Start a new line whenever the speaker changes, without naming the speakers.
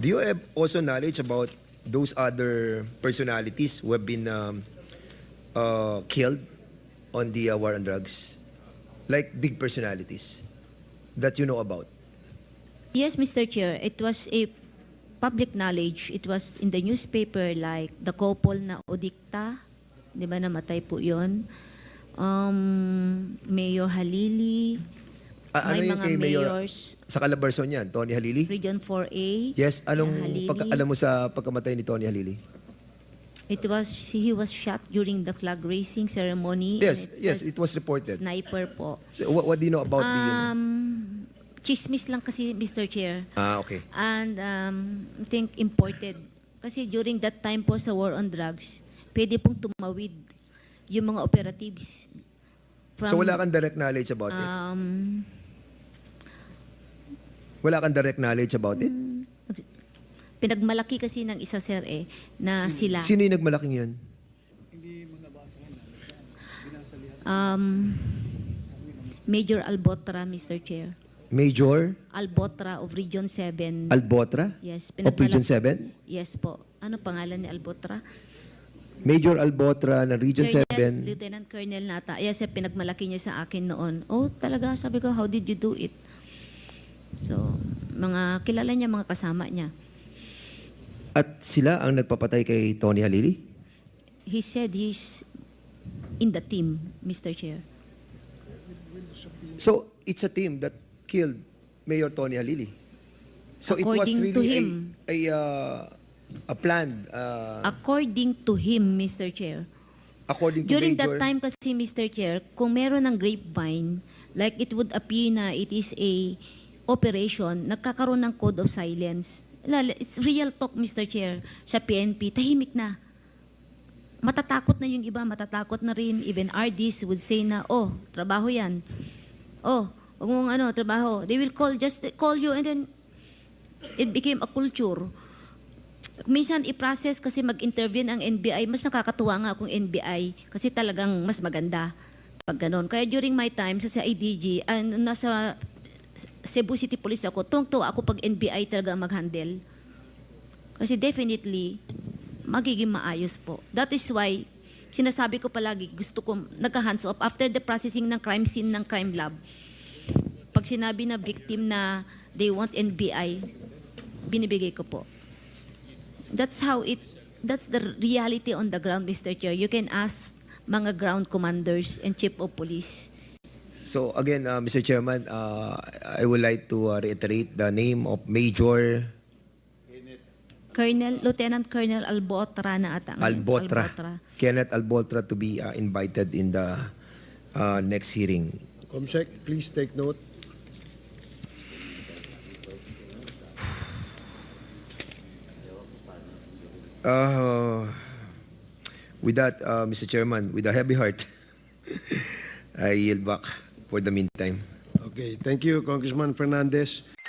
Do you have also knowledge about those other personalities who have been killed on the war on drugs? Like big personalities that you know about?
Yes, Mr. Chair, it was a public knowledge. It was in the newspaper, like the couple na Odikta, di ba, namatay po yun. Mayor Halili, may
Ano yung
mga
kay Mayor
mayors,
sa Calabarzon yan? Tony Halili?
Region 4A.
Yes, anong
Halili.
alam mo sa pagkamatay ni Tony Halili?
He was shot during the flag raising ceremony.
Yes,
and
yes,
says
it was reported.
Sniper po.
So, what do you know about the...
Chismis lang kasi, Mr. Chair.
Okay.
And I think imported. Kasi during that time po sa war on drugs, pwede pong tumawid yung mga operatives.
So wala kang direct knowledge about it? Wala kang direct knowledge about it?
Pinagmalaki kasi ng isa, sir, na sila.
Sino yung nagmalaking yun?
Major Albotra, Mr. Chair.
Major
Albotra of Region 7.
Albotra?
Yes.
Of Region 7?
Yes po. Ano pangalan ni Albotra?
Major Albotra ng Region 7.
Lieutenant Colonel nata. Yes, pinagmalaki niya sa akin noon. Oh, talaga, sabi ko, how did you do it? So, mga kilala niya, mga kasama niya.
At sila ang nagpapatay kay Tony Halili?
He said he's in the team, Mr. Chair.
So, it's a team that killed Mayor Tony Halili. So, it was
According to
really
him.
a planned,
According to him, Mr. Chair.
according to
During
Major...
that time kasi, Mr. Chair, kung meron ng grapevine, like it would appear na it is a operation, nagkakaroon ng code of silence. It's real talk, Mr. Chair, sa PNP, tahimik na. Matatakot na yung iba, matatakot na rin. Even RDs would say na, oh, trabaho yan. Oh, huwag mong trabaho. They will just call you and then it became a culture. Minsan i-process kasi mag-intervene ang NBI, mas nakakatuwa nga kung NBI kasi talagang mas maganda pag ganon. Kaya during my time sa IDG, nasa Cebu City Police ako, tuwang-tuwa ako pag NBI talaga mag-handle. Kasi definitely, magiging maayos po. That is why, sinasabi ko palagi, gusto ko nagka-hands off after the processing ng crime scene ng crime lab. Pag sinabi na victim na they want NBI, binibigay ko po. That's the reality on the ground, Mr. Chair. You can ask mga ground commanders and chief of police.
So again, Mr. Chairman, I would like to reiterate the name of Major
Lieutenant Colonel Albotra na ata.
Albotra. Kenneth Albotra to be invited in the next hearing.
Comsec, please take note.
With that, Mr. Chairman, with a heavy heart, I yield back for the meantime.
Okay, thank you, Congressman Fernandez.